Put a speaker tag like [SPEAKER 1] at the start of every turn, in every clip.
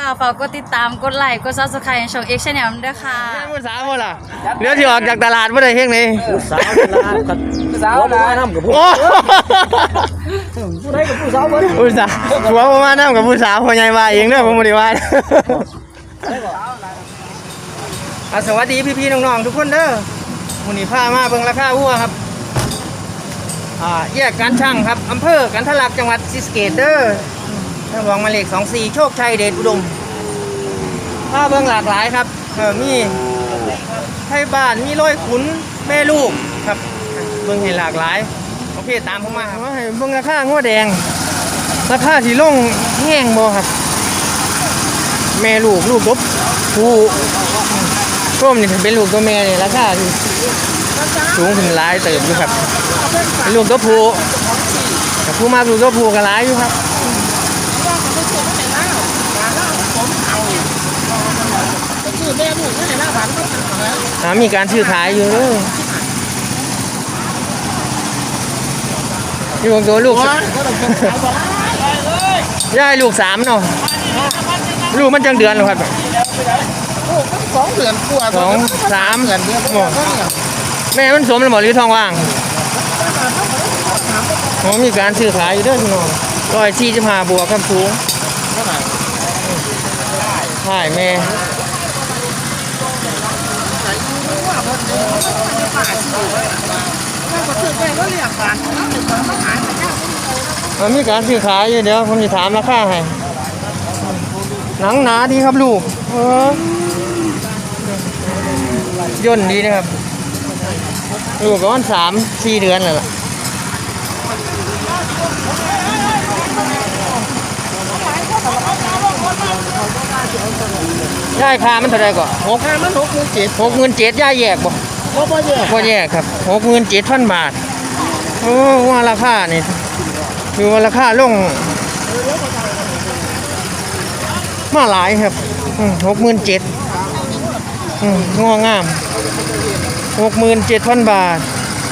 [SPEAKER 1] ฝากกดติดตามกดไลค์กด Subscribe ช่อง X Channel ด้วยค่ะ
[SPEAKER 2] ผู้สาวบ่ล่ะเดี๋ยวที่ออกจากตลาดบ่ได้เฮ็ดนี่
[SPEAKER 3] ผู้สาวตลาดกับผู้สาวบ่มานํกับผู้ผู้ใดกับผู้สาวเบิด
[SPEAKER 2] ผู้สาวผัวบ่มานํกับผู้สาวพ่อใหญ่ว่าเองเด้อผมบ่ได้ว่าสวัสดีพี่ๆน้องๆทุกคนเด้อมื้อนี้พามาเบิ่งราคาวัวครับแยกการช่างครับอำเภอกันทะลักจังหวัดศรีสะเกษเด้อทางหลวงหมายเลข24โชคชัยเดชอุดมพาเบิ่งหลากหลายครับมีไทยบ้านมีร้อยขุนแม่ลูกครับเบิ่งให้หลากหลายโอเคตามผมมาครับให้เบิ่งราคางัวแดงราคาที่ลงแห้งบ่ครับแม่ลูกลูกกบผู้ร่มนี่เป็นลูกตัวแม่นี่ราคาที่สูงถึงหลายเติบอยู่ครับเป็นลูกตัวผู้แต่ผู้มาลูกตัวผู้ก็หลายอยู่ครับมีการซื้อขายอยู่ที่ของตัวลูกย่ายลูก3เนาะลูกมันจังเดือนหรอครับ
[SPEAKER 3] 2 เดือนกว่า
[SPEAKER 2] 2 3เดือนแม่มันสมแล้วบ่หรือทองว่างมีการซื้อขายอยู่เด้อพี่น้อง145บวกครับสูงใช่แม่มีการซื้อขายอยู่เดี๋ยวผมจะถามราคาให้หนังหนาดีครับลูกย่นดีนะครับลูกก็วัน3-4 เดือนเลยล่ะย่ายค่ามันเท่าไรก่อน67,000ย่ายแยกบ่บ่แยกครับ67,000 บาทว่าราคานี่คือว่าราคาลงมาหลายครับ67,000งองาม67,000 บาท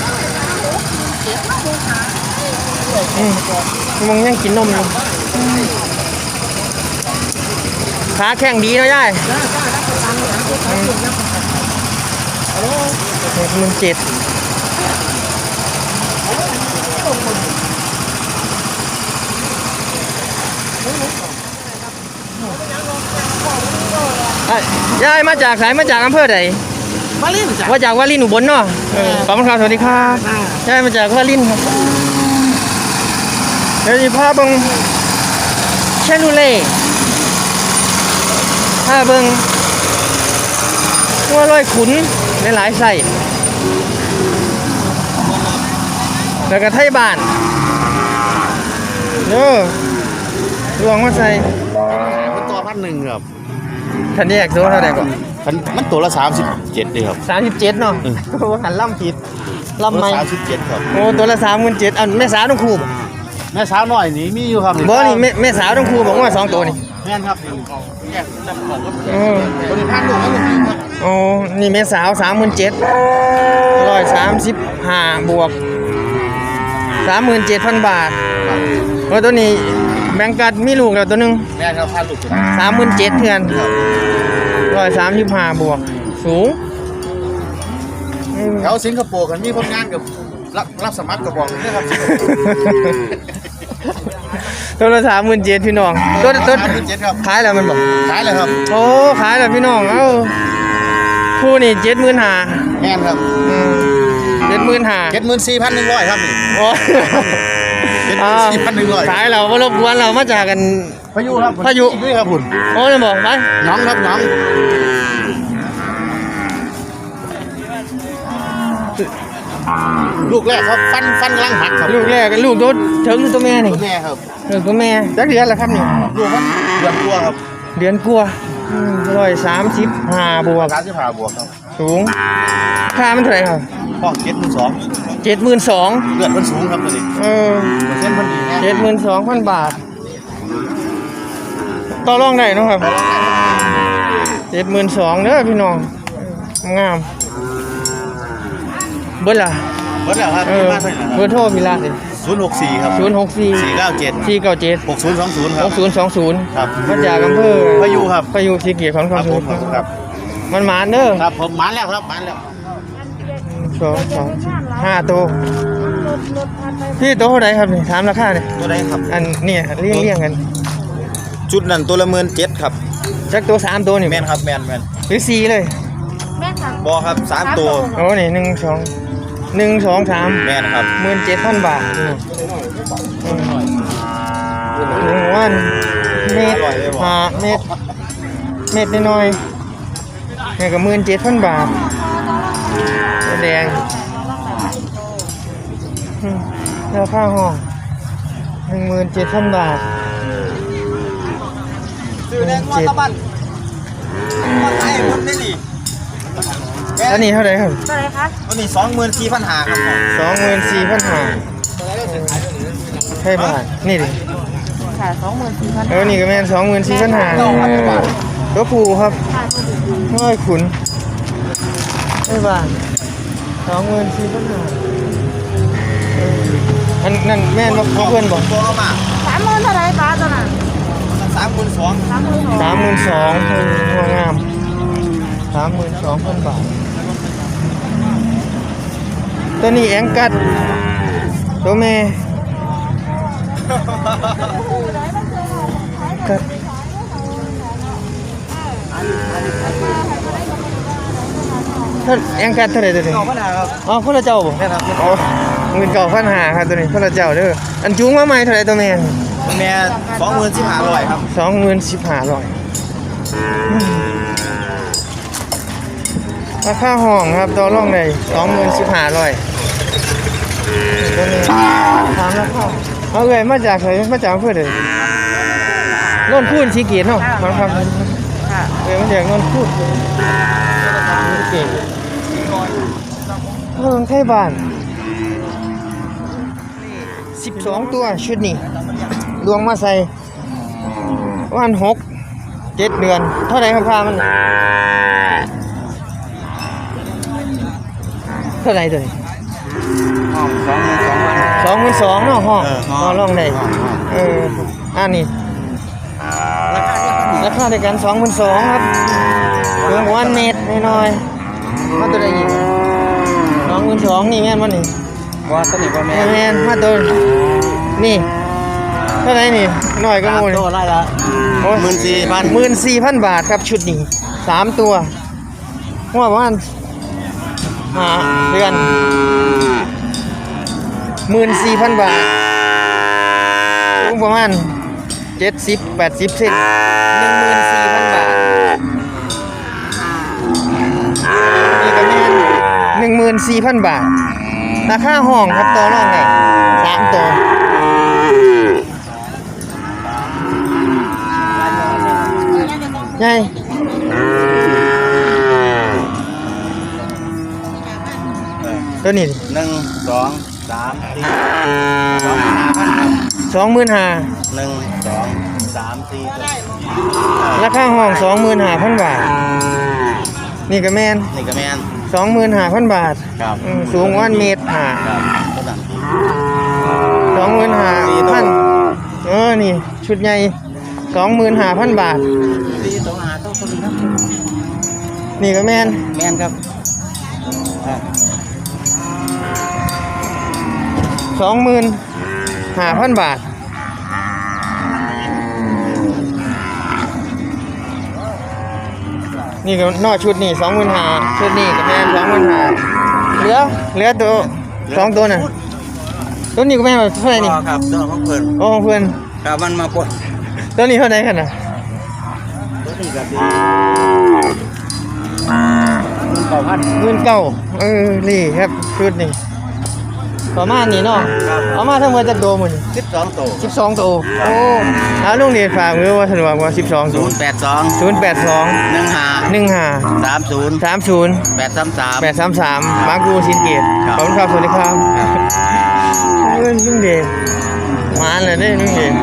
[SPEAKER 2] มึงยังกินนมอยู่ขาแข็งดีเนาะยาย67,000ยายมาจากไหนมาจากอำเภอใด
[SPEAKER 3] วารินจ้ะ
[SPEAKER 2] มาจากวารินอุบลเนาะขอบคุณครับสวัสดีครับยายมาจากวารินครับเดี๋ยวจะพาเบิ่งเชนูเล่พาเบิ่งวัวร้อยขุนหลายๆไส้แล้วก็ไทยบ้านลวงมาใส่
[SPEAKER 3] มันตัว1,000ครับ
[SPEAKER 2] ทันแยกตัวเท่าไหร่ก่อน
[SPEAKER 3] มันตัวละ37เลยครับ
[SPEAKER 2] 37เนาะหันล่ำผิดล่ำไม่
[SPEAKER 3] 37ครับ
[SPEAKER 2] ตัวละ37,000แม่สาวต้องคู่
[SPEAKER 3] แม่สาวน้อยนี่มีอยู่ครับ
[SPEAKER 2] บ่นี่แม่สาวต้องคู่บอกว่า2ตัวนี่
[SPEAKER 3] แม่นครับแยกจับของตัวนี้1,000ลูกครับ
[SPEAKER 2] นี่แม่สาว37,135บวก37,000 บาทตัวนี้แบงกัดมีลูกแล้วตัวนึง
[SPEAKER 3] แม่ครับ1,000ลูก
[SPEAKER 2] 37,000เทือน135บวกสูง
[SPEAKER 3] แถวสิงคโปร์กันมีผลงานกับรับสมัครกับบอกเลยครับ
[SPEAKER 2] ตัวละ37,000พี่น้องตัว
[SPEAKER 3] 37,000ครับ
[SPEAKER 2] ขายแล้วมันบอก
[SPEAKER 3] ขายแล้วครับ
[SPEAKER 2] ขายแล้วพี่น้องคู่นี่75,000
[SPEAKER 3] แม่นครับ
[SPEAKER 2] 74,100
[SPEAKER 3] ครับนี่74,100
[SPEAKER 2] ขายเราบ่รบกวนเรามาจากกัน
[SPEAKER 3] พายุครับด้วยครับคุณ
[SPEAKER 2] จะบอกไป
[SPEAKER 3] น้องครับน้องลูกแรกครับฟันกำลังหักครับ
[SPEAKER 2] ลูกแรกกันลูกตัวแม่นี่
[SPEAKER 3] ตัวแม่ครับ
[SPEAKER 2] ตัวแม่จักเดือนแล้วครับนี่
[SPEAKER 3] ลูกมันเดือนกว่าครับ
[SPEAKER 2] เดือนกว่า135บวก
[SPEAKER 3] 35บวกครับ
[SPEAKER 2] สูงค่ามันเท่าไหร่ครับ
[SPEAKER 3] ห้อง72,000เลือดมันสูงครับตัวนี้เส้นมันดี
[SPEAKER 2] 72,000 บาทต่อรองได้เนาะครับ72,000เด้อพี่น้องงามเบิดล่ะ
[SPEAKER 3] ครับ
[SPEAKER 2] เบอร์โทรพี่ละ
[SPEAKER 3] 064ครับ
[SPEAKER 2] 064
[SPEAKER 3] 497
[SPEAKER 2] 497
[SPEAKER 3] 6020ครับ
[SPEAKER 2] 6020
[SPEAKER 3] ครับ
[SPEAKER 2] มาจากอำเภอ
[SPEAKER 3] พายุครับ
[SPEAKER 2] พายุศรีเกียรติของ
[SPEAKER 3] ครับ
[SPEAKER 2] คำ
[SPEAKER 3] ผ
[SPEAKER 2] พู
[SPEAKER 3] ม
[SPEAKER 2] ด
[SPEAKER 3] ครับ
[SPEAKER 2] มันหมานเด้อ
[SPEAKER 3] ครับผมมาแล้วครับมาแล้ว
[SPEAKER 2] 5 ตัวพี่ตัวเท่าไหร่ครับนี่ถามราคาเนี่ย
[SPEAKER 3] ตัวไหนครับ
[SPEAKER 2] อันเนี่ยเลี้ยงกัน
[SPEAKER 3] ชุดนั้นตัวละ17,000ครับ
[SPEAKER 2] จักตัว3ตัวนี่
[SPEAKER 3] แม่นครับแม่น
[SPEAKER 2] หรือ4เลย
[SPEAKER 3] บอครับ3ตัว
[SPEAKER 2] โอ้นี่1 2 3
[SPEAKER 3] แม่นครับ
[SPEAKER 2] 17,000 บาทวันเม็ดหาเม็ดน้อยๆนี่ก็17,000 บาทแดงราคาห้อง 17,000 บาท
[SPEAKER 3] ซื้อแดงมาตะบันมาไทยผมได้นี่
[SPEAKER 2] อันนี้เท่าไหร่ครับ
[SPEAKER 1] เท่าไหร่คะ
[SPEAKER 3] ตัวนี้24,500ครับ
[SPEAKER 2] 24,500ใช่บาทนี่ดิ
[SPEAKER 1] ค่ะ24,000
[SPEAKER 2] นี่ก็แม่น24,500ตัวผูครับน้อยขุนใช่บาท24,500อันนั่นแม่นบ่เพื่อนบอก
[SPEAKER 3] ตัวมา
[SPEAKER 1] 30,000เท่าไหร่ป้าตัวนั้น
[SPEAKER 3] 32,000
[SPEAKER 2] 32,000หัวงาม 32,000 บาท ตัวนี้แองกัด ตัวแม่กัดท่านแองกัดเท่าไหร่ตัวนี้
[SPEAKER 3] 9,500ครับ
[SPEAKER 2] อ๋อคนละเจ้าบ่
[SPEAKER 3] แม่นครับ
[SPEAKER 2] อ๋อเงิน9,500ครับตัวนี้คนละเจ้าเด้ออันจุงมาใหม่เท่าไหร่ตัวแม่
[SPEAKER 3] แม่24,500ครับ
[SPEAKER 2] 25,000ราคาห้องครับต่อรองได้25,000ตัวนี้ถามราคาเอาเลยมาจากไหนมาจากอำเภอใดโน่นพูนสีเกียรติเนาะมันครับ
[SPEAKER 1] ค่ะ
[SPEAKER 2] มาจากโน่นพูนสีเกียรติไทยบ้าน12 ตัวชุดนี้ลวงมาใส่วัน7 เดือนเท่าไหร่ครับค่ามันเท่าไหร่ตัวนี้ 22,000เนาะห้องห้องลองได้อันนี้ราคาในกัน22,000ครับรวมวันเมตรน้อยๆมาตัวใดอีก22,000นี่แม่นบ่นี่
[SPEAKER 3] ว่าตัวนี้บ่แม่
[SPEAKER 2] แม่นมาตัวนี่เท่าไหร่นี่น้อยก็หมู่นี่
[SPEAKER 3] ตัวไล่ละ
[SPEAKER 2] โอ้ย 14,000 บาทครับชุดนี้3ตัวหัวประมาณ5 เดือน 14,000 บาทสูงประมาณ70-80 เซน 14,000 บาทนี่ก็แม่น14,000 บาทราคาห้องครับตัวรองไง3 ตัวใหญ่ตัวนี้
[SPEAKER 3] 1 2 3 4
[SPEAKER 2] 25,000
[SPEAKER 3] 1 2 3 4
[SPEAKER 2] ราคาห้อง 25,000 บาท นี่ก็แม่น
[SPEAKER 3] นี่ก็แม่น
[SPEAKER 2] 25,000 บาท
[SPEAKER 3] ครับ
[SPEAKER 2] สูงวันเมตรห้า
[SPEAKER 3] ครับตัวนั้น
[SPEAKER 2] 25,000นี่ชุดใหญ่ 25,000 บาท
[SPEAKER 3] 4ตัวหาตัวนี้ครับ
[SPEAKER 2] นี่ก็แม่น
[SPEAKER 3] แม่นครับ
[SPEAKER 2] 25,000 บาท นี่ก็นอกชุดนี่25,000ชุดนี่ก็แม่น25,000เหลือตัว2ตัวน่ะตัวนี้ก็แม่นเท่าไหร่นี่
[SPEAKER 3] ครับตัวของเพิ่น
[SPEAKER 2] โอ้ของเพื่อน
[SPEAKER 3] ครับมันมาปน
[SPEAKER 2] ตัวนี้เท่าไหร่กันน่ะ
[SPEAKER 3] ตัวนี้ก็สิ
[SPEAKER 2] 19,000นี่ครับชุดนี่ประมาณนี้เนาะเอามาทั้งหมดจักโตหมื้อนี่
[SPEAKER 3] 12ตัว
[SPEAKER 2] 12 ตัวโอ้เอาลุงนี่ฝากไว้ว่าสะดวกว่า12 ตัว
[SPEAKER 3] 082
[SPEAKER 2] 082
[SPEAKER 3] 15
[SPEAKER 2] 30
[SPEAKER 3] 30
[SPEAKER 2] 30
[SPEAKER 3] 833
[SPEAKER 2] 833บางกูสินเกตขอบคุณครับสวัสดีครับลุงเดชมาเลยได้ลุงเดช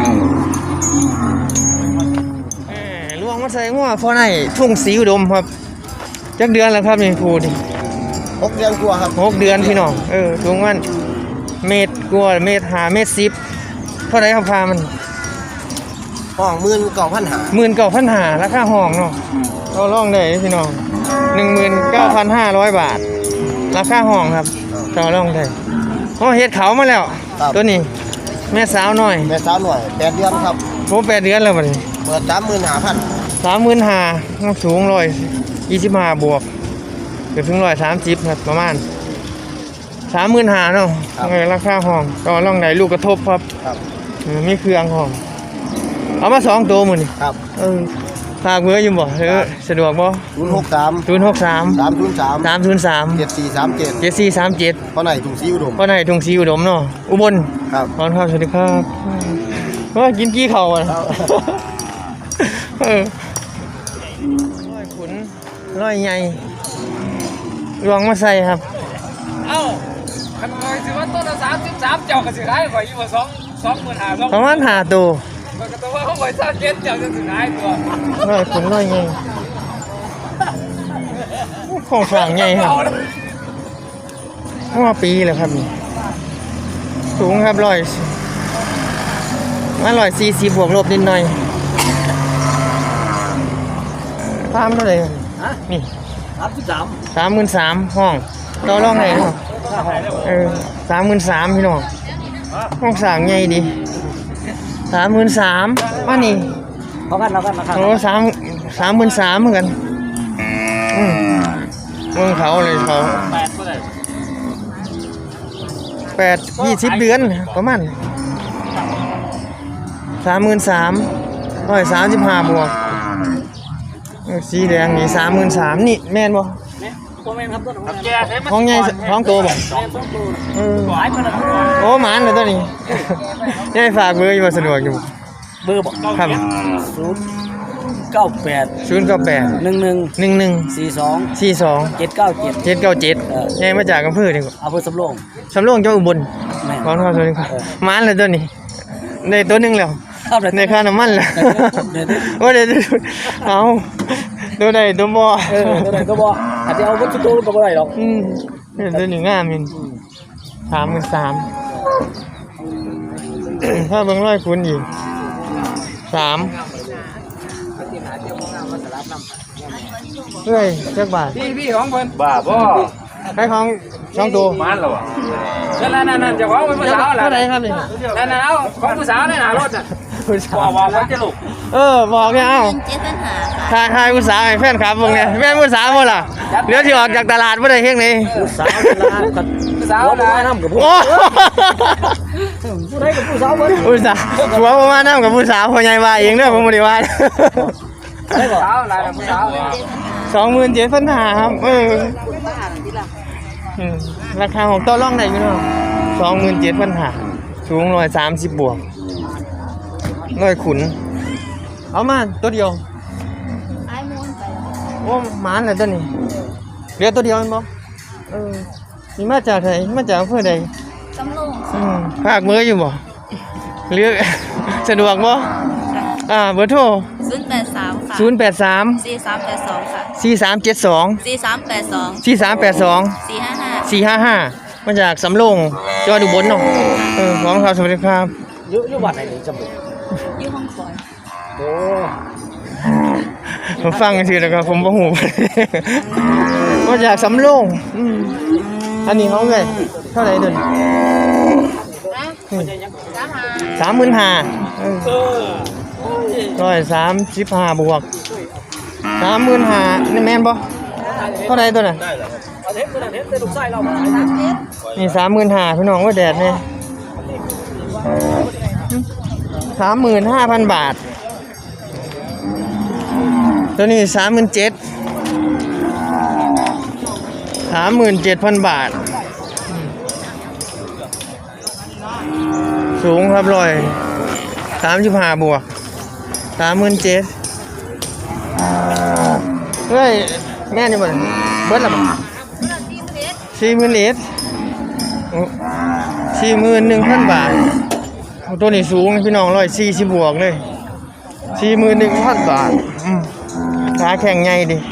[SPEAKER 2] ลวงมาใส่หัวพอไหนทุ่งสีอุดมครับจักเดือนแล้วครับนี่พูด
[SPEAKER 3] 6 เดือนกว่าครับ
[SPEAKER 2] 6 เดือนพี่น้องถุงมันเมตรกว่าเมตร5 เมตร 10เท่าไหร่ครับพามัน
[SPEAKER 3] ห้อง19,500
[SPEAKER 2] 19,500ราคาห้องเนาะเราลองได้พี่น้อง 19,500 บาทราคาห้องครับเราลองได้เฮ็ดเขามาแล้วตัวนี้แม่สาวน้อย
[SPEAKER 3] แม่สาวหน่อย8เดือนครับ
[SPEAKER 2] ผม8 เดือนแล้วบัดนี้
[SPEAKER 3] เปิด 35,000
[SPEAKER 2] 35,000น้ำสูง125บวกเกือบถึง130ครับประมาณ 35,000เนาะราคาห้องก็ลองได้ลูกกระทบครับ
[SPEAKER 3] ครับ
[SPEAKER 2] มีเครื่องห้องเอามา2ตัวมื้อนี้
[SPEAKER 3] ครับ
[SPEAKER 2] ฝากเบอร์อยู่บ่สะดวกบ่
[SPEAKER 3] 063
[SPEAKER 2] 063
[SPEAKER 3] 303
[SPEAKER 2] 303
[SPEAKER 3] 7437
[SPEAKER 2] 7437
[SPEAKER 3] เพราะไหนถุงซีอุดม
[SPEAKER 2] พ่อไหนทุ่งศรีอุดมเนาะอุบล
[SPEAKER 3] ครับ
[SPEAKER 2] ขอบคุณครับสวัสดีครับว่ากินกี้เข่าอ่ะร้อยขุนร้อยใหญ่ลวงมาใส่ครับ
[SPEAKER 4] เอ้าคันคอยสิว่าต้นละ33เจ้าก็สิขายข่อยอยู่ว่า25,000
[SPEAKER 2] ประมาณ5ตัว
[SPEAKER 4] มันก็ต้องว่าเขาข่อย37เจ้าจะสิขายตัว
[SPEAKER 2] ร้อยขุนร้อยใหญ่ของฝางใหญ่ครับว่าปีแล้วครับนี่สูงครับ140บวกลบนิดหน่อยพามเท่าไหร่นี่ 33,000ห้องต่อรองไหนเนาะ33,000พี่น้องห้องสร้างใหญ่ดี33,000มานี่
[SPEAKER 4] เรากันนะครับ
[SPEAKER 2] โอ้33,000เหมือนกันเมืองเขาเลยเขา20 เดือนประมาณ33,135บวกสีแดงนี่33,000นี่แม่นบ่
[SPEAKER 4] ตัวแม่นครับต้นของแกใช้มัน
[SPEAKER 2] ห้องใหญ่ห้องโตบ่
[SPEAKER 4] ขายมัน
[SPEAKER 2] โอ้หมานเลยตัวนี้ ยังฝากเบอร์อยู่บ่สะดวกอยู่
[SPEAKER 4] เบอร์บอก
[SPEAKER 2] ครับ
[SPEAKER 4] 098
[SPEAKER 2] 098
[SPEAKER 4] 11
[SPEAKER 2] 42
[SPEAKER 4] 42
[SPEAKER 2] 797
[SPEAKER 4] 797
[SPEAKER 2] ยังมาจากอำเภอนี่บ่
[SPEAKER 4] อำเภอสำโรง
[SPEAKER 2] สำโรงจังหวัดอุบล
[SPEAKER 4] แม่น
[SPEAKER 2] ขอบคุณครับสวัสดีครับหมานเลยตัวนี้ได้ตัวหนึงแล้ว
[SPEAKER 4] ครับเลย
[SPEAKER 2] ในค่าน้ำมันแล้วว่าเดี๋ยวเอาตัวใดตัวบ่
[SPEAKER 4] ตัวไหนก็บอกอาจจะเอาวัตถุตัวก็บ่ได้หรอก
[SPEAKER 2] เห็นตัวนี้งามมิน33,000ถ้าเบิ่งร้อยคูณอีก3เฮ้ยจักบาท
[SPEAKER 4] พี่ของเพิ่นบ้าบ่
[SPEAKER 2] ใครของ2ตัว
[SPEAKER 4] มันเหรอวะนั่นเจ้าของเป็นผู้สาวแหละ
[SPEAKER 2] เท่าไหร่ครับนี่
[SPEAKER 4] นั่นเอาของผู้สาวในหน้ารถน่ะ
[SPEAKER 2] ผู้สาว
[SPEAKER 4] บอกว่าจะลูก
[SPEAKER 2] บอกเนี่ยเอ้าทายผู้สาวให้แฟนคลับเบิ่งเนี่ยแม่นผู้สาวบ่ล่ะเดี๋ยวสิออกจากตลาดบ่ได้เฮ็ดนี่
[SPEAKER 4] ผู้สาวกับผู้สาวนะน้ำกับผู้
[SPEAKER 2] โอ้
[SPEAKER 4] ผู้ใดกับผู้สาวเพิ่น
[SPEAKER 2] ผู้สาวหัวประมาณนั้นกับผู้สาวพ่อใหญ่ว่าเองเด้อผมบ่ได้ว่า
[SPEAKER 4] ได้บ่สาวหลายผู้สาว
[SPEAKER 2] 27,500ครับราคาของต่อรองได้อยู่เนาะ27,500สูง130บวกร้อยขุนเอามาตัวเดียวโอ้หมานแล้วตัวนี้เหลือตัวเดียวแม่นบ่นี่มาจากไหนมาจากอำเภอใด
[SPEAKER 1] สำโรง
[SPEAKER 2] ภาคมืออยู่บ่เลือก สะดวกบ่เบอร์โทร
[SPEAKER 1] 083ค่ะ
[SPEAKER 2] 083
[SPEAKER 1] 4382ค่ะ
[SPEAKER 2] 4372
[SPEAKER 1] 4382
[SPEAKER 2] 4382
[SPEAKER 1] 455
[SPEAKER 2] 455มาจากสำโรงจังหวัดอุบลเนาะขอบคุณครับสวัสดีครับ
[SPEAKER 4] อยู่วัดไหนนี่จำบ่
[SPEAKER 1] อยู่ห้องคอย
[SPEAKER 4] โอ้
[SPEAKER 2] ผมฟังกันทีแล้วก็ผมบ่ฮู้ มาจากสำโรงอันนี้เขาไงเท่าไหร่เดิน35,000 บวก35,000นี่แม่นบ่เท่าไหร่ตัวน่ะ
[SPEAKER 4] อันนี้ตัวนั้นเฮ็ดเป็นลูกชายเรามา
[SPEAKER 2] นี่35,000พี่น้องว่าแดดนี่35,000 บาท ตัวนี้37,000 บาท สูงครับ35บวก37,000เฮ้ยแม่นี่บ่เบิดละบ่40,000 ลิตร41,000 บาทตัวนี้สูงพี่น้อง140บวกเลย41,000 บาทขาแข็งใหญ่ดิ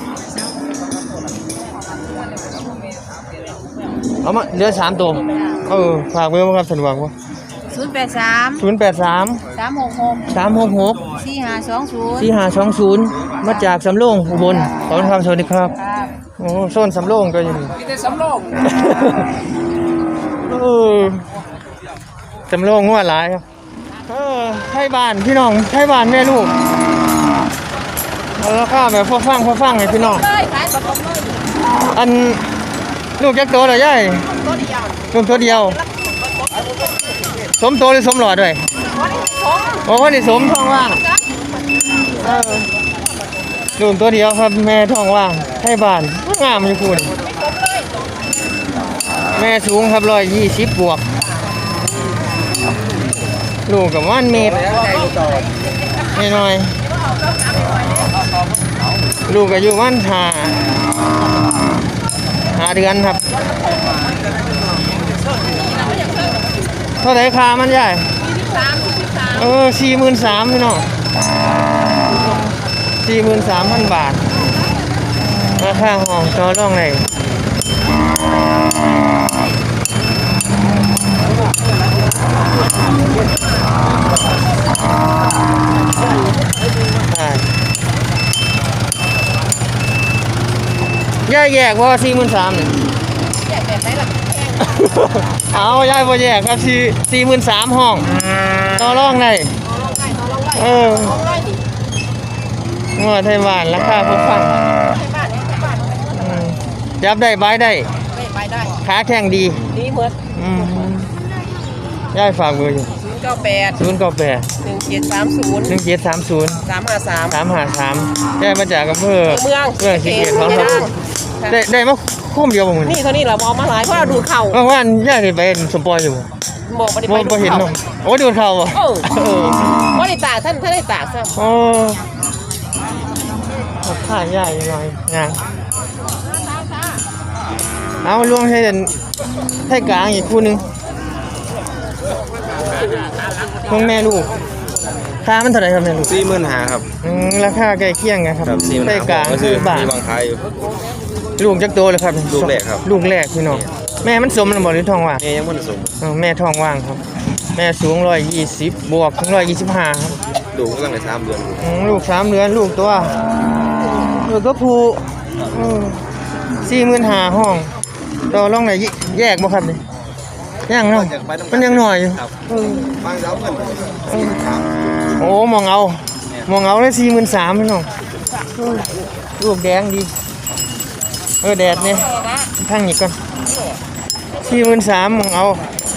[SPEAKER 2] เอามาเหลือ3ตัวฝากเบอร์บ่ครับสะดวกบ่
[SPEAKER 1] 083
[SPEAKER 2] 083
[SPEAKER 1] 366
[SPEAKER 2] 366
[SPEAKER 1] 4520
[SPEAKER 2] มาจากสำโรงอุบลขอบคุณครับสวัสดีครับ
[SPEAKER 1] ครับ
[SPEAKER 2] โอ้โซนสำโรงก็อยู่นี่
[SPEAKER 4] มีแต่สำโรง
[SPEAKER 2] สำโรงงัวหลายครับไทยบ้านพี่น้องไทยบ้านแม่ลูกเอาราคาแบบพอฟังให้พี่น้อง
[SPEAKER 1] เลยขายปลาต้มเลย
[SPEAKER 2] อันลูกจักโตเหรอยาย
[SPEAKER 1] ตัวเดียว
[SPEAKER 2] ลูกตัวเดียว สมโตหรือสมหลอดด้วย โอ้คนนี้สมท้องว่างลูกตัวเดียวครับแม่ท้องว่างไทยบ้านงามอยู่คุณแม่สูงครับ120บวกลูกกับว่านเมตรนิดหน่อยลูกอายุว่านหาเดือนครับเท่าไหร่ค่ามันใหญ่43,000พี่น้อง43,000 บาทราคาห้องต่อรองไหนแยกว่า43,000เนี่ยเอาย่ายบ่แยกครับ43,000ห้องต่อรองได้งัวไทยบ้านราคาพอฟังจับได้บายได้ขาแข็งดี
[SPEAKER 1] หมด
[SPEAKER 2] ย่ายฝากเบอร์อยู่
[SPEAKER 1] 098 1730 353
[SPEAKER 2] ย่ายมาจากอำเภอเมืองศรีสะเกษของครับได้มาคุ้มเดียวบ่มื้อนี้
[SPEAKER 1] นี่เท่านี้เราเอามาหลายเพราะเราดูเข่า
[SPEAKER 2] ว่านย่ายได้ไปสมปอยอยู่บ่
[SPEAKER 1] บอกบ่ได้ไปดู
[SPEAKER 2] บ่เห็น
[SPEAKER 1] เข่า
[SPEAKER 2] เนาะโอ้ดูเข่าบ่
[SPEAKER 1] บ่ได้ตากท่านได้ตากซะ
[SPEAKER 2] โอ้ข้าใหญ่หน่อยงานเอาลวงให้กลางอีกคู่หนึงพวกแม่ลูกค่ามันเท่าไหร่ครับแม่ลูก
[SPEAKER 3] 45,000 ครับ
[SPEAKER 2] ราคาใกล้เคียงกันครับให้กลาง
[SPEAKER 3] ก็คื
[SPEAKER 2] คือ อบาท
[SPEAKER 3] มีบางขายอยู่
[SPEAKER 2] ลูกจักโตเลยครับ
[SPEAKER 3] ลูกแรกครับ
[SPEAKER 2] ลูกแรกพี่น้องแม่มันสมแล้วบ่หรือท้องว่าง
[SPEAKER 3] แม่ยังบ่ได้ส่ง
[SPEAKER 2] แม่ท้องว่างครับแม่สูง120บวกถึง125ครับ
[SPEAKER 3] ดูกำลังได้3 เดือน
[SPEAKER 2] ลูก3 เดือนลูกตัวก็ผู45,000ห้องต่อรองไหนแยกบ่ครับนี่ยังเนาะมันยังหน่อยอยู่
[SPEAKER 3] บางเจ้าเพิ่น
[SPEAKER 2] โอ้มองเอาเลย43,000พี่น้องลูกแดงดีแดดนี่ทั้งนี้ก่อน43,000มองเอา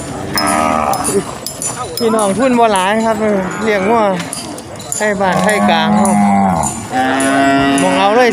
[SPEAKER 2] พี่น้องทุนบ่หลายครับเลี้ยงงัวไทยบ้านไทยกลางมองเอาเลย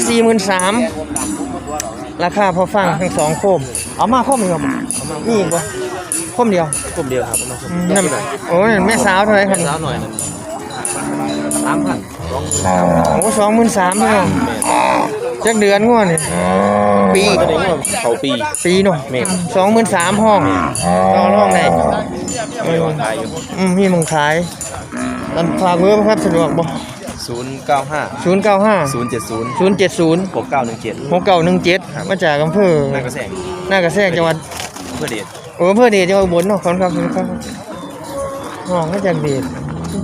[SPEAKER 2] 43,000ราคาพอฟังทั้ง2โคมเอามาโคมอีกครับนี่อีกบ่โคมเดียว
[SPEAKER 3] กลุ่มเดียวครับประมาณ
[SPEAKER 2] นั่นโอ้ยแม่สาวเท่าไหร่ครับ
[SPEAKER 3] สาวหน่อยนึง 3,000
[SPEAKER 2] โอ้23,000พี่น้องจักเดือนงัวนี่ปี
[SPEAKER 3] ตัวนี้ก็เขาปี
[SPEAKER 2] เนาะ23,000ห้องต่อรองได้
[SPEAKER 3] มีวางขายอยู่
[SPEAKER 2] มีมึงขายตอนฝากเบอร์บ่ครับสะดวกบ่
[SPEAKER 3] 095
[SPEAKER 2] 095
[SPEAKER 3] 070
[SPEAKER 2] 070
[SPEAKER 3] 6917
[SPEAKER 2] 6917มาจากอำเภอ
[SPEAKER 3] นากระแสง
[SPEAKER 2] หน้ากระแทกจังหวัด
[SPEAKER 3] เพื่อเดช
[SPEAKER 2] อำเภอเดชจังหวัดอุบลเนาะขอบคุณครับห้องมาจากเดช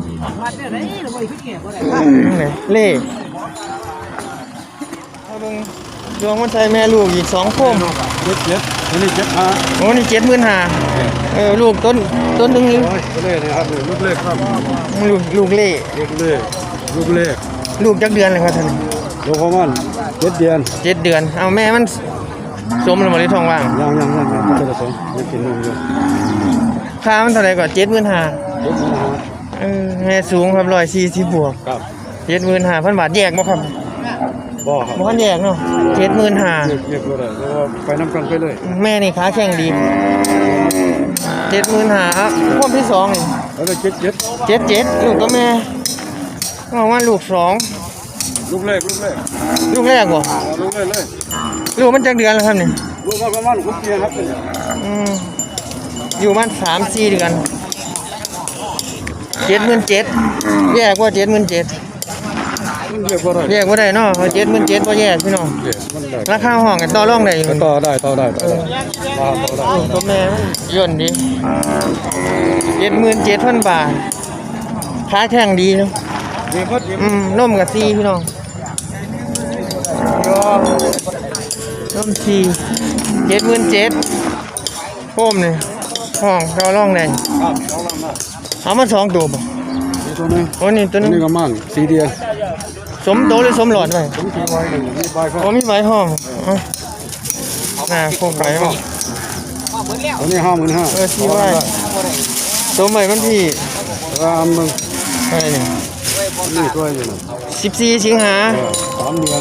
[SPEAKER 2] ไหนเล่เอาเบิ่งดวงมันใส่แม่ลูกอีก2โคม
[SPEAKER 3] นี่7
[SPEAKER 2] โอ้นี่75,000ลูกต้นหนึง
[SPEAKER 3] ก็เลยนะครับลูกเล็กครับ
[SPEAKER 2] ลูกเล่
[SPEAKER 3] ลูกเล็ก
[SPEAKER 2] ลูกจักเดือนเลยครับท่าน
[SPEAKER 3] ลูกของมัน7 เดือน
[SPEAKER 2] 7 เดือนเอาแม่มันสมแล้วบ่ได้ท้องว่าง
[SPEAKER 3] ยังจะได้ส่งยังกินนมอยู่
[SPEAKER 2] ค่ามันเท่าไหร่ก่อน75,000แม่สูงครับ140บวก
[SPEAKER 3] ครับ
[SPEAKER 2] 75,000 บาทแยกบ่ครับ
[SPEAKER 3] บ่ครับ
[SPEAKER 2] บ่คันแยกเนาะ75,000
[SPEAKER 3] เรียกบ่ได้เพราะว่าไปน้ำกันไปเลย
[SPEAKER 2] แม่นี่ขาแข็งดี75,000ครับพวกที่2นี่
[SPEAKER 3] แล้วก็
[SPEAKER 2] 77ลูกก็แม่ว่าลูก2
[SPEAKER 3] ลูกเล็ก
[SPEAKER 2] ลูกแรกบ่
[SPEAKER 3] ลูกเล็กเลย
[SPEAKER 2] ลูกมันจักเดือนแล้วครับนี่
[SPEAKER 3] ลูกก็ประมาณ6 เดือนครับ
[SPEAKER 2] อยู่มัน3-4 เดือน77,000แยกว่า77,000
[SPEAKER 3] มันเรียกว่าอะไร
[SPEAKER 2] แยกบ่ได้เนาะ77,000บ่แยกพี่น้องราคาห้องกันต่อรองได้อยู่
[SPEAKER 3] ต่อได้ต่อได้
[SPEAKER 2] ตัวแม่มันย่นดี77,000 บาทขาแข็งดีเนาะ
[SPEAKER 3] ดีพอดี
[SPEAKER 2] นมกับซีพี่น้องยอมนมซี77,000โคมนี่ห้องต่อรองได้เอามา2ตัวบ่
[SPEAKER 3] ตัวนึง
[SPEAKER 2] โอ้นี่ตัวนึง
[SPEAKER 3] นี่ก็มั่งสีเดียว
[SPEAKER 2] สมโตหรือสมหลอดไว้
[SPEAKER 3] ผมสีไว้เลยมีใบเขา
[SPEAKER 2] โอ้มีใบห้องโคมไก่ห้อง
[SPEAKER 3] ตัวนี้55,000
[SPEAKER 2] ซีไว้ตัวใหม่มันพี่
[SPEAKER 3] มึง
[SPEAKER 2] อะไรนี่
[SPEAKER 3] นี่ตัวอยู่นะ
[SPEAKER 2] 14 สิงหา
[SPEAKER 3] 3 เดือน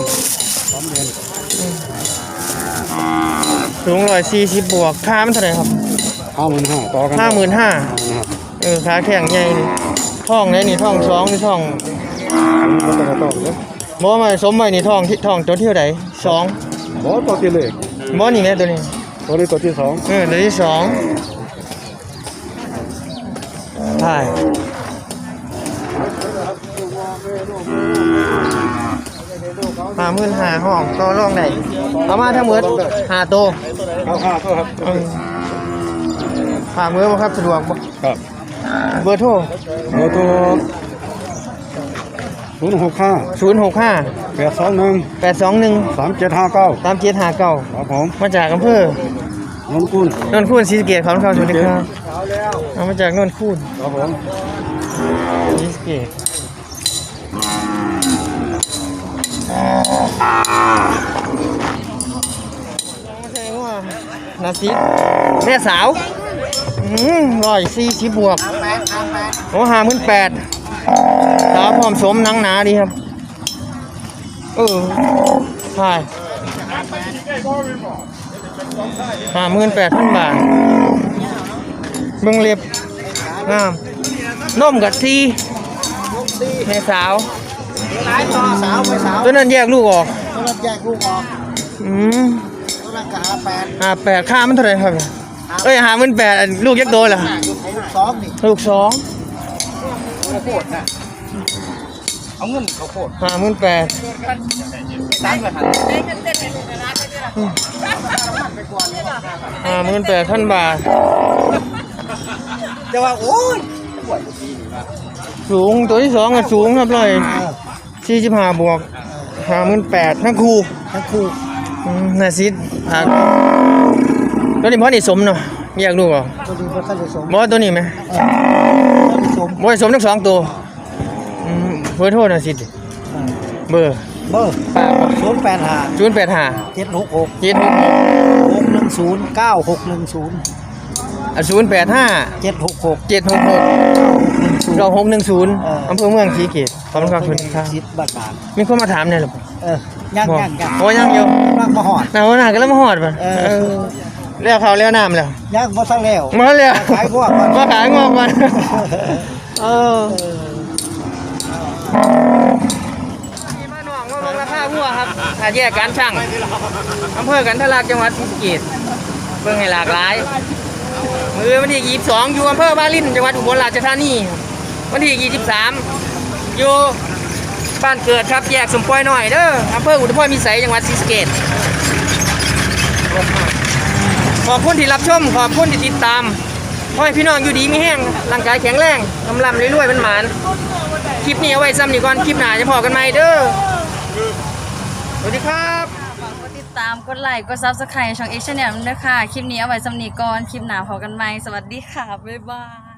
[SPEAKER 2] สูง140บวกค่ามันเท่าไหร่ครับ
[SPEAKER 3] 55,000ต่อกัน
[SPEAKER 2] 55,000ขาแข็งใหญ่นี่ท้องไหนนี่ท้อง2นี่ท้อง
[SPEAKER 3] ต่อเลย
[SPEAKER 2] บ่มาสมไว้นี่ท้องตัวที่เท่าใด2
[SPEAKER 3] บ่ตัวที่เลข
[SPEAKER 2] บ่นี่แม่ตัวนี้
[SPEAKER 3] ตัวนี้ตัวที่2
[SPEAKER 2] ตัวที่2ใช่55,000ห้องต่อรองได้เอามาทั้งหมด5ตัว
[SPEAKER 3] เอาค่าเท่าครับ
[SPEAKER 2] ฝากมือบ่ครับสะดวกบ่
[SPEAKER 3] ครับ
[SPEAKER 2] เบอร์โทร
[SPEAKER 3] ตัว065
[SPEAKER 2] 065
[SPEAKER 3] 821
[SPEAKER 2] 821
[SPEAKER 3] 3759
[SPEAKER 2] 3759
[SPEAKER 3] ครับผม
[SPEAKER 2] มาจากอำเภอน
[SPEAKER 3] นกุล
[SPEAKER 2] นนคูนศรีสะเกษขอบคุณครับสวัสดีครับเอามาจากนนคูน
[SPEAKER 3] ครับผม
[SPEAKER 2] ศรีสะเกษนาซิแม่สาว140บวกโอ้58,000สาวพร้อมสมหนังหนาดีครับใช่58,000 บาทเบิ่งเล็บงามนมกับซีแม่สาว
[SPEAKER 5] หลายต่อสาวไปสาว
[SPEAKER 2] ตัวนั้นแยกลูกออก
[SPEAKER 5] ตัวนั้นแยกลูกออก
[SPEAKER 2] อืม
[SPEAKER 5] ตัวนั้นก็
[SPEAKER 2] 58,000ค่ามันเท่าไหร่ครับเอ้ย58,000ลูกยักษ์โตเหรอ
[SPEAKER 5] 2นี่
[SPEAKER 2] ลูก2
[SPEAKER 5] ข้าวโพดนะเอาเงินข้าวโพด
[SPEAKER 2] 58,000
[SPEAKER 5] ตามกันหัน
[SPEAKER 2] 58,000 บาท
[SPEAKER 5] จะว่าโอ้ย
[SPEAKER 2] สูงตัวที่2ก็สูงครับ145บวก58,000ทั้งคู่
[SPEAKER 5] ทั้งคู่
[SPEAKER 2] น่าซิดตัวนี้พอนี่สมเนาะแยกลูกออก
[SPEAKER 5] ตัวนี้บ่ทันได้สม
[SPEAKER 2] บ่ตัวนี้ไหม
[SPEAKER 5] สม
[SPEAKER 2] บ่สมทั้ง2ตัวเบอร์โทรน่าซิดเบอร์
[SPEAKER 5] เบอร์
[SPEAKER 2] ปาก
[SPEAKER 5] 085
[SPEAKER 2] 085
[SPEAKER 5] 766
[SPEAKER 2] 766
[SPEAKER 5] 610 9610
[SPEAKER 2] 085
[SPEAKER 5] 766
[SPEAKER 2] 766 2610อำเภอเมืองศรีสะเกษขอบคุณครับสวัสดีครับ
[SPEAKER 5] สิทธิ์บ้านบาน
[SPEAKER 2] มีคนมาถามเนี่ยหรอ
[SPEAKER 5] ยัง
[SPEAKER 2] โอ้ยังอยู่
[SPEAKER 5] นั่งมาหอด
[SPEAKER 2] หนาวหนาก็แล้วมาหอดป่ะแล้วเขาแล้วน้ำแล้ว
[SPEAKER 5] ยังบ่ทันแล้ว
[SPEAKER 2] มาแล้ว
[SPEAKER 5] ขายพวกก่อน
[SPEAKER 2] มาขายงอกก่อนมาหน่องมาลงราคาหัวครับถ้าแยกการช่างอำเภอกันทะลักจังหวัดศรีสะเกษเบิ่งให้หลากหลายมือวันที่22อยู่อำเภอบ้านลิ้นจังหวัดอุบลราชธานีวันที่23อยู่บ้านเกิดครับแยกสมปอยหน่อยเด้ออำเภออุทุมพรพิสัยจังหวัดศรีสะเกษขอบคุณที่รับชมขอบคุณที่ติดตามขอให้พี่น้องอยู่ดีมีแห้งร่างกายแข็งแรงกำลังรวยๆเป็นหมานคลิปนี้เอาไว้ซ้ำนี่ก่อนคลิปหน้าจะพอกันไหมเด้อสวัสดีครับ
[SPEAKER 1] ฝากกดติดตามกดไลค์กด Subscribe ช่อง X Channel ด้วยค่ะ คลิปนี้เอาไว้สำนีก่อน คลิปหน้าพอกันไหมสวัสดีค่ะ บ๊ายบาย